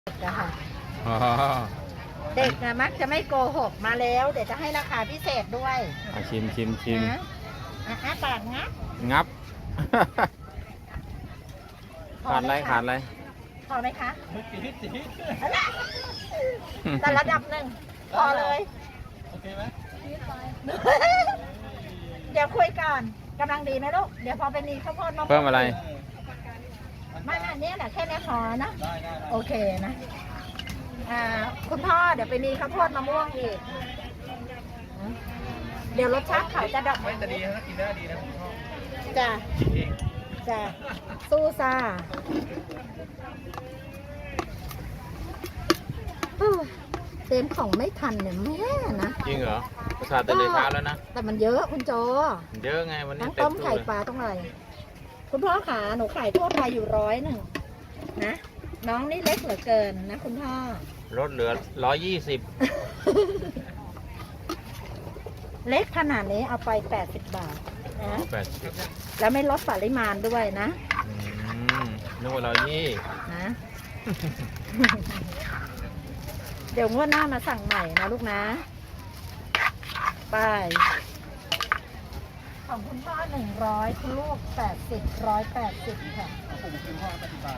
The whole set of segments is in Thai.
อะค่ะอ๋อเด็กนะมักจะไม่โกหกมาแล้วเดี๋ยวจะให้ราคาพิเศษด้วยชิมนะอ้าปากงับงับพอขาดไหมอะไรขาดอะไรพอไหมคะแต่ระดับหนึ่งพอเลยโอเคไหมเดี๋ยวคุยก่อนกำลังดีไหมลูกเดี๋ยวพอไปมีข้าวโพดมะม่วงเพิ่มอะไรไม่เนี่ยแหละแค่นี้พอนะได้โอเคนะคุณพ่อเดี๋ยวไปมีข้าวโพดมะม่วงอีกเดี๋ยวรสชาติเขาจะดอกไม่จะดีนะกินได้ดีนะผมชอบจ้ะกินเองจ้ะสู้ซ่าเต็มของไม่ทันเนี่ยแม่นะจริงเหรอประสาทตื่นเลยเช้าแล้วนะแต่มันเยอะคุณโจเยอะไงวันนี้ทั้งเต็ต้มมตู้ไข่เลยปลาต้องอะไรคุณพ่อขาหนูขายทั่วไปอยู่100นะน้องนี่เล็กเหลือเกินนะคุณพ่อลดเหลือ120 เล็กขนาดนี้เอาไป80 บาทนะ 80 แล้วไม่ลดปริมาณด้วยนะนึกว่า120 นะ เดี๋ยวงวดหน้ามาสั่งใหม่นะลูกนะไปของคุณพ่อ100คุณลูก80 180ค่ะผมกินข้าวปฏิบัติ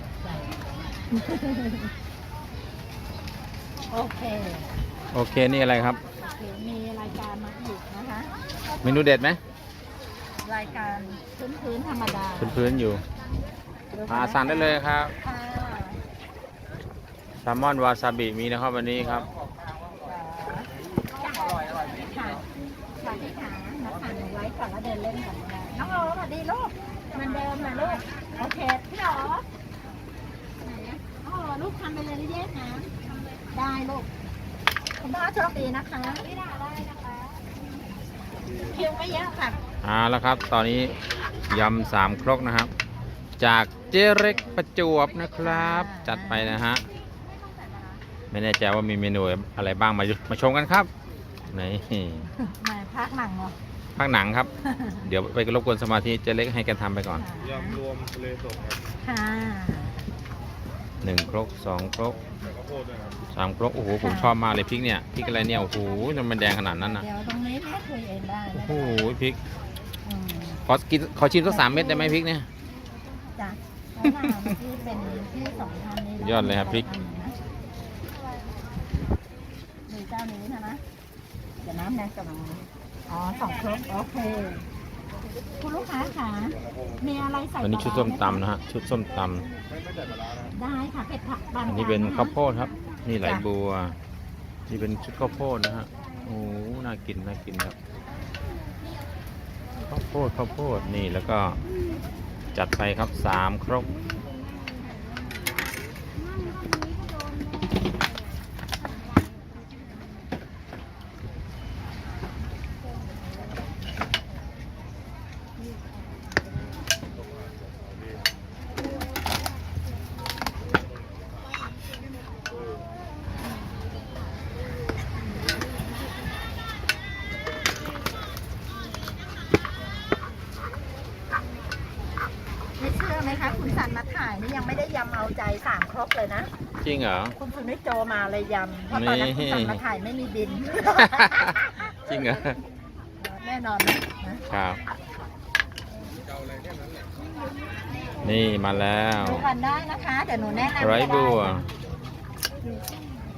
โอเคโอเคนี่อะไรครับโอเคมีรายการมาอีกนะคะเมนูเด็ดไหมรายการพื้นธรรมดาพื้นๆอยู่สั่งได้เลยครับค่ะแซลมอนวาซาบิมีนะครับวันนี้ครับอร่อยค่ะค่ะพี่ขามาสั่งไว้ก่อนแล้วเดินเล่นกันได้น้องโอ๋สวัสดีลูกเหมันเดิมนะลูกโอเคพี่โอ๋ไหนอะอ๋อลูกทำไปเลยแยกนะได้ลูกคุณพ่อโชคดีนะคะไม่ได้นะคะคิวไม่เยอะค่ะแล้วครับ ตอนนี้ยำ3 ครกนะครับ จากเจเร็กประจวบนะครับ จัดไปนะฮะ ไม่แน่ใจว่ามีเมนูอะไรบ้างมาชมกันครับนี่มาพักหนังเหรอภาคหนังครับ เดี๋ยวไปรบกวนสมาธิเจเล็กให้แกทำไปก่อนยำรวมทะเลสดครับค่ะ 1 ครก 2 ครกใส่ข้าวโพดด้วยครับ 3 ครกโอ้โหผมชอบมากเลยพริกเนี่ยพริกอะไรเนี่ยโอ้โหมันแดงขนาดนั้นนะเดี๋ยวตรงนี้แม่คุยเองได้โอ้โหพริกอืมขอชิมสัก3 เม็ดได้ไหมพริกเนี่ยจ้ะแล้วหน้าที่เป็นที่สองท่านนี้ยอดเลยครับพริกมีเจ้านี้ใช่ไหมเดี๋ยวน้ำแดงกำลังอ๋อ2 ครกโอเค คุณลูกค้าค่ะมีอะไรใส่วันนี้ชุดส้มตำนะฮะชุดส้มตไม่ใส่ปลาร้านะได้ค่ะเผ็ดผักบางำอันนี้เป็นข้าวโพดครับ นี่ไหลบัวนี่เป็นชุดข้าวโพดนะฮะโอ้โหน่ากินครับข้าวโพดนี่แล้วก็จัดไปครับ3 ครกไม่เชื่อไหมคะคุณสันมาถ่ายนี่ยังไม่ได้ยำเอาใจ3 ครกเลยนะจริงเหรอคุณสุนิจโจมาเลยยำเพราะตอนนั้นคุณสันมาถ่ายไม่มีบินจริงเหรอแน่นอนนะครับนี่มาแล้วดูกันได้นะคะเดี๋ยวหนูแนะนำไรบัวน